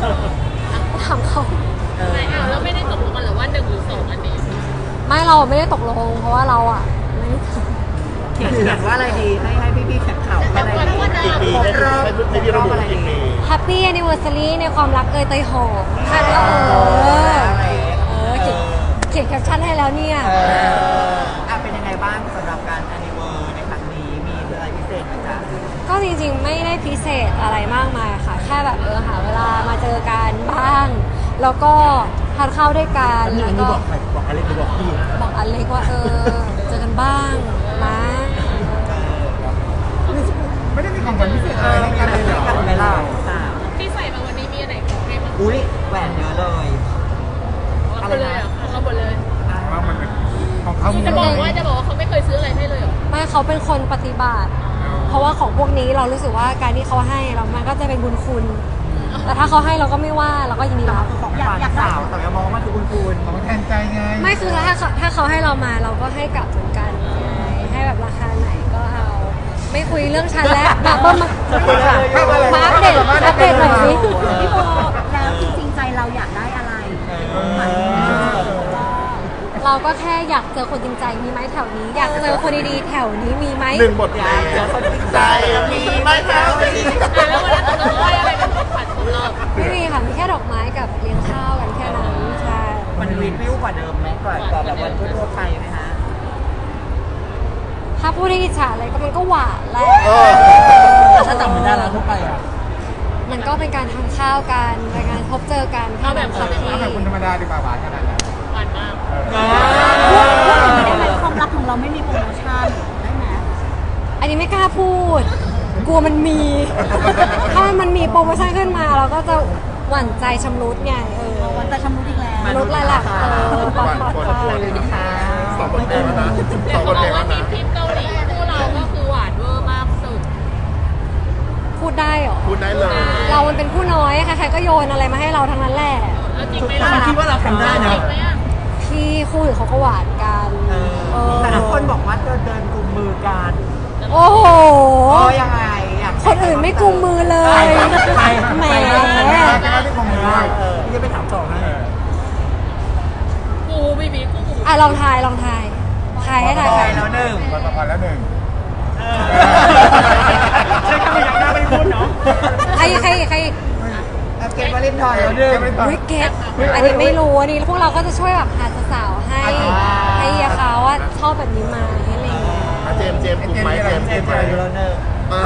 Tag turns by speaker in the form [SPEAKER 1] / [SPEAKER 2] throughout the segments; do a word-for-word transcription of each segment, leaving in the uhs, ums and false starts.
[SPEAKER 1] ถามเขา
[SPEAKER 2] ไม่เอาแล้วไม่ได้ตกลงกันหรือว่าหนึ่งหรือสองอันนี้
[SPEAKER 1] ไม่เราไม่ได้ตกลงเพราะว่าเราอ่ะไม่ได้
[SPEAKER 3] เขียนเขียนว่าอะไรดีให้ให้พี่ๆแข่งข่าวว่าอะไรดี
[SPEAKER 4] กี่ปี
[SPEAKER 3] ครบ
[SPEAKER 4] ให้
[SPEAKER 3] รอบ
[SPEAKER 4] ให้ให้พี่ระบุกี่ปี
[SPEAKER 1] Happy Anniversary ในความรักเอยเตยหอมค่ะแล้วเออเออเขียนเขียนแคปชั่นให้แล้วเนี่ย
[SPEAKER 3] เอออ่ะเป็นยังไงบ้างสำหรับการ anniversary ในครั้งนี้มีอะไรพิเศษไหมจ๊ะ
[SPEAKER 1] ก็จริงๆไม่ได้พิเศษอะไรมากมายค่ะ แค่แบบเออหาเวลามาเจอกันบ้าง แล้วก็ทานข้าวด้วยกัน
[SPEAKER 4] อันนี้
[SPEAKER 1] แล้ว
[SPEAKER 4] อันนี้
[SPEAKER 1] ก็
[SPEAKER 4] บอกใครบอกอะไรหรือบอกพี่
[SPEAKER 1] บอกอเล็กว่าเออเจอกันบ้างนะ
[SPEAKER 4] ไม่ได้มีของขวัญพิเศษอะไรให้กันเลยเหรอ
[SPEAKER 3] กันไหมล่ะอ่ะ
[SPEAKER 2] ที่ใส่มาวันนี้มีอะไรของใครบ้าง
[SPEAKER 3] อุ้ยแหวนเยอะเลย
[SPEAKER 2] เอาไปเลยอ่ะเอาหมดเลย
[SPEAKER 4] ว่ามันเป็นของเขามี
[SPEAKER 2] จะบอกว่าจะบอกว่าเขาไม่เคยซื้ออะไรให้เลยเหรอ
[SPEAKER 1] ไม่เขาเป็นคนปฏิบัติ เพราะว่าของพวกนี้เรารู้สึกว่าการที่เขาให้เรามันก็จะเป็นบุญคุณ แต่ถ้าเขาให้เราก็ไม่ว่าเราก็ยินดีรับ
[SPEAKER 3] ของขวัญสาวแต่อย่ามองว่ามันคือคุณคุณ
[SPEAKER 4] ของแทนใจไง
[SPEAKER 1] ไม่คือถ้าเขาถ้าเขาให้เรามาเราก็ให้กลับเหมือนกันไงให้แบบราคาไหนก็เอา ไม่คุยเรื่องฉันแล้วมาเบิ้มมามาอัปเดตอัปเดตหน่อยสิ
[SPEAKER 5] พี่โบแล้วจริงๆใจเราอยากได้อะไร
[SPEAKER 1] เราก็แค่อยากเจอคนจริงใจมีไหมแถวนี้ อยากเจอคนดีๆแถวนี้มีไหม
[SPEAKER 4] หนึ่งบทเพลงใจมีไหมครับไม่มี
[SPEAKER 2] อ่ะแล้ววันนั้นตกลงว่าอะไรเป็นของขวัญของเรา
[SPEAKER 1] ไม่มีค่ะมีแค่ดอกไม้กับเลี้ยงข้าวกันแค่นั้นใช่
[SPEAKER 3] มันวินวิวกว่าเดิมไหมกว่ากว่าแบบวันทั่วๆไปไหมฮะ
[SPEAKER 1] ถ้าพูดให้อิจฉาอะไรก็มันก็หวานแหละ
[SPEAKER 4] เออ
[SPEAKER 3] ถ้าจำไม่ได้แล้วทั่วไปอ่ะ
[SPEAKER 1] มันก็เป็นการทานข้าวกันเป็นการพบเจอกันเท่านั้นค่ะพี่
[SPEAKER 4] เอาแบบคนธรรมดาดีกว่าหวานขนาดนั้น
[SPEAKER 2] หวานมาก
[SPEAKER 5] ได้ไหมความรักของเราไม่มีโปรโมชั่นได้ไหม
[SPEAKER 1] อันนี้ไม่กล้าพูด กลัวมันมี ถ้ามันมีโปรโมชั่นขึ้นมาเราก็จะหวั่นใจชำรุดไงเออ
[SPEAKER 5] วันจะชำรุดอีกแล้ว
[SPEAKER 1] มนุษย์ลายหลักเออปอดปอดปอด
[SPEAKER 4] สองบทเพลงแล้วนะสองบ
[SPEAKER 2] เขา
[SPEAKER 4] ท
[SPEAKER 2] บ
[SPEAKER 4] เพล
[SPEAKER 2] อก
[SPEAKER 4] ง
[SPEAKER 2] ว่า
[SPEAKER 4] แล้ว
[SPEAKER 2] ที
[SPEAKER 4] นะ
[SPEAKER 2] มทีมเกาหลีคู่เราก็คือหวานเวอร์มากสุด
[SPEAKER 1] พูดได้เหรอ
[SPEAKER 4] พูดได้เลย
[SPEAKER 1] เรามันเป็นผู้น้อยใครๆก็โยนอะไรมาให้เราทั้งนั้นแหละ
[SPEAKER 2] เอาจริงไหม
[SPEAKER 3] แต่
[SPEAKER 2] ล่ะ
[SPEAKER 3] มันคิดว่าเราทำได้
[SPEAKER 2] จ
[SPEAKER 3] นะ
[SPEAKER 2] ริงไหมอ่ะ
[SPEAKER 1] พี่คู่อื่นเขาก็หวานกัน
[SPEAKER 3] เออ
[SPEAKER 1] เออ
[SPEAKER 3] แต่ละคนบอกว่าจะเดินกุมมือกัน
[SPEAKER 1] โอ้โห
[SPEAKER 3] โอ้ยังไงอยาก
[SPEAKER 1] คนอื่นไม่กุมมือเลย
[SPEAKER 3] ใคร
[SPEAKER 1] แหม
[SPEAKER 4] ที่คงมีได้
[SPEAKER 3] เออพี่จะไปถามต่อให้
[SPEAKER 2] กูบีบีกู
[SPEAKER 1] อ่ะลองทายลองทายทายให้ทาย
[SPEAKER 3] ใคร
[SPEAKER 1] ทาย
[SPEAKER 3] แล้วหนึ่ง
[SPEAKER 4] วันประพันธ์แล้วหนึ่ง
[SPEAKER 3] ใช่คำไม่อยากได้ไม่พูดเนาะ
[SPEAKER 1] ใครใครใคร
[SPEAKER 3] เกมวาเลนไทน์แล้วหนึ่ง
[SPEAKER 1] วิกเก็ตอันนี้ไม่รู้อันนี้พวกเราก็จะช่วยแบบหาสาวๆให้ ให้เฮียเขาว่าชอบแบบนี้ไหมาอะไรอย่างเงี้ย
[SPEAKER 4] เจมส์เจมส์กลุ่มไหมเจมส์
[SPEAKER 3] เก
[SPEAKER 4] เจ
[SPEAKER 3] ม
[SPEAKER 4] มส์ไหม
[SPEAKER 3] วาเลนไทน์แล้วหนึ่ง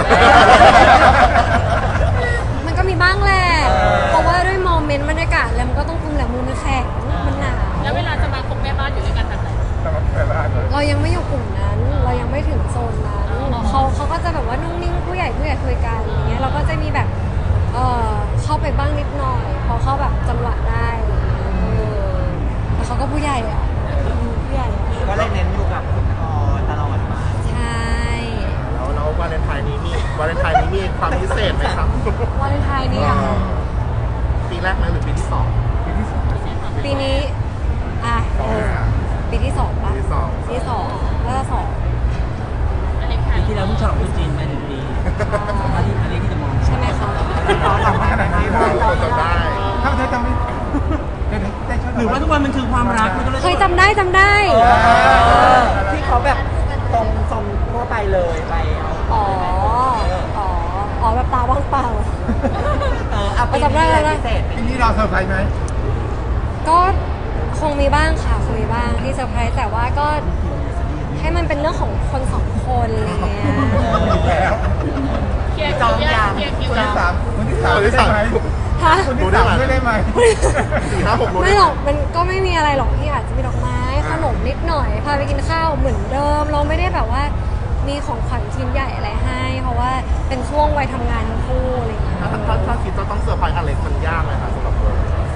[SPEAKER 1] มันก็มีบ้างแหละ เพราะว่าด้วยโมเมนต์บรรยากาศแล้วมันก็ต้องคุมแหละมือมันแข็งมันหนาว
[SPEAKER 2] แล้วเวลาจะมาคบแม่บ้านอยู่ด้วยกันแบบไหน
[SPEAKER 4] สำหรับแต่ละอันเลย
[SPEAKER 1] เรายังไม่อยู่กลุ่มนั้น เรายังไม่ถึงโซนนั้นเขาเขาก็จะแบบว่านุ่งนิ่งผู้ใหญ่ผู้ใหญ่คุยกันอย่างเงี้ย เราก็จะมีแบบ เออเข้าไปบ้างนิดหน่อย พอเข้าแบบจังหวะได้เออแต่เขาก็ผู้ใหญ่อะอืมผู้ใหญ่อะ
[SPEAKER 3] ก็เลยเน้นอยู่กับคุณพ่อตลอดมา
[SPEAKER 1] ใช่
[SPEAKER 4] แล้วแล้ววาเลนไทน์นี้มีวาเลนไทน์นี้มีความพิเศษไหมครับ
[SPEAKER 1] วาเลนไทน์นี่อะค่ะ
[SPEAKER 4] ปีแรกไหมหรือปีที่สองปีที่สอง
[SPEAKER 1] ปีนี้ อ่ะ
[SPEAKER 4] สอง
[SPEAKER 1] เออปีที่สอง
[SPEAKER 4] ปี
[SPEAKER 1] ปะ
[SPEAKER 4] ที่สอง
[SPEAKER 1] ปีที่สองแล้วก็สอง
[SPEAKER 2] อันนี้ค่ะ
[SPEAKER 3] ปีที่แล้วผู้ชายคนจีนไปหนึ่งปีอันนี้อันนี้ที่จะมอง
[SPEAKER 1] ใช่ไหมคะ
[SPEAKER 3] เราทำขนาดนี้
[SPEAKER 4] คนจำได้ถ้าเธอจำไม่หรือว่าทุกวันมันคือความรักมันก็เลย
[SPEAKER 1] เคยจำได้จำได้
[SPEAKER 3] ที่เขาแบบตรงทรงทั่วไปเลยไปเอา
[SPEAKER 1] อ๋อ อ๋อ อ๋อแบบตาว่างเปล่า
[SPEAKER 3] เออเอาไป
[SPEAKER 1] จำได้แล้วนะ
[SPEAKER 3] พิเศษ
[SPEAKER 4] ปีนี้เราเซอร์ไพรส์ไหม
[SPEAKER 1] ก็คงมีบ้างค่ะคงมีบ้างที่เซอร์ไพรส์แต่ว่าก็ให้มันเป็นเรื่องของคนสองคนอะไรเงี้ย
[SPEAKER 4] แล้ว
[SPEAKER 2] เคลียร์คิวยังเคลียร์คิว
[SPEAKER 4] คน
[SPEAKER 2] ยั
[SPEAKER 4] ที่
[SPEAKER 2] ง
[SPEAKER 4] สามคนที่สามได้ไหม
[SPEAKER 1] ฮะ
[SPEAKER 4] คนที่สามได้ไหมสี่ห้าหกรู้
[SPEAKER 1] ไม่หรอกมันก็ไม่มีอะไรหรอกที่อาจจะมีดอกไม้ขนมนิดหน่อยพาไปกินข้าวเหมือนเดิม เราไม่ได้แบบว่ามีของขวัญชิ้นใหญ่อะไรให้ เพราะว่าเป็นช่วงวัยทำงานทั้งคู่อะไรเงี้ย
[SPEAKER 4] ถ้าถ้าถ้าคิดจะต้องเซอร์ไพรส์อเล็กมันยากไหมคะสำหรับเรา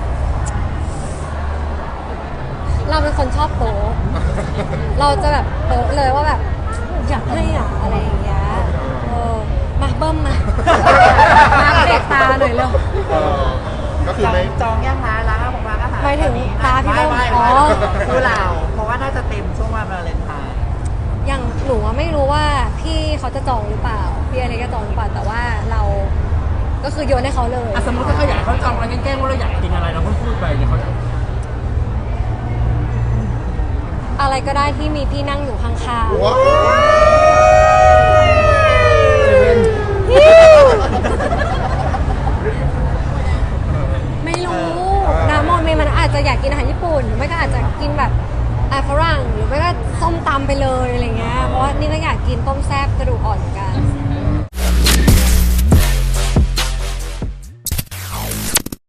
[SPEAKER 1] เราเป็นคนชอบโป๊ะเราจะแบบโป๊ะเลยว่าแบบอยากให้อ่ะอะไรอย่างเงี้ยเออมาเบิ้มมามาเด็กตาหน่อยเร็ว
[SPEAKER 4] ก็คือ
[SPEAKER 3] จอง
[SPEAKER 4] ไม่
[SPEAKER 3] จองยังคะร้านอาหารร้านอาหาร
[SPEAKER 1] หมายถึงตาพี่เบิ้ม
[SPEAKER 3] ไม่
[SPEAKER 1] อ๋
[SPEAKER 3] ไม่
[SPEAKER 1] อ
[SPEAKER 3] คือเราเพราะว่าน่าจะเต็มช่วงวันวาเลนไทน์
[SPEAKER 1] อย่างหนูอะไม่รู้ว่าพี่เขาจะจองหรือเปล่า พี่อะไรก็จองหรือเปล่าแต่ว่าเราก็คือโยนให้เขาเลย
[SPEAKER 4] อ่ะสมมติถ้าเขาอยากเขาจองอะไรแกล้งๆว่าเราอยากกินอะไรเราก็พูดไปเดี๋ยวเขาจะ
[SPEAKER 1] อะไรก็ได้ที่มีพี่นั่งอยู่ข้าง
[SPEAKER 6] ว้าว
[SPEAKER 1] ๆไม่รู้นะโมเมมันอาจจะอยากกินอาหารญี่ปุ่นหรือไม่ก็อาจจะกินแบบอาหารฝรั่งหรือไม่ก็ส้มตำไปเลยอะไรเงี้ยเพราะว่านี่ก็อยากกินต้มแซ่บกระดูกอ่อนเหมือนกัน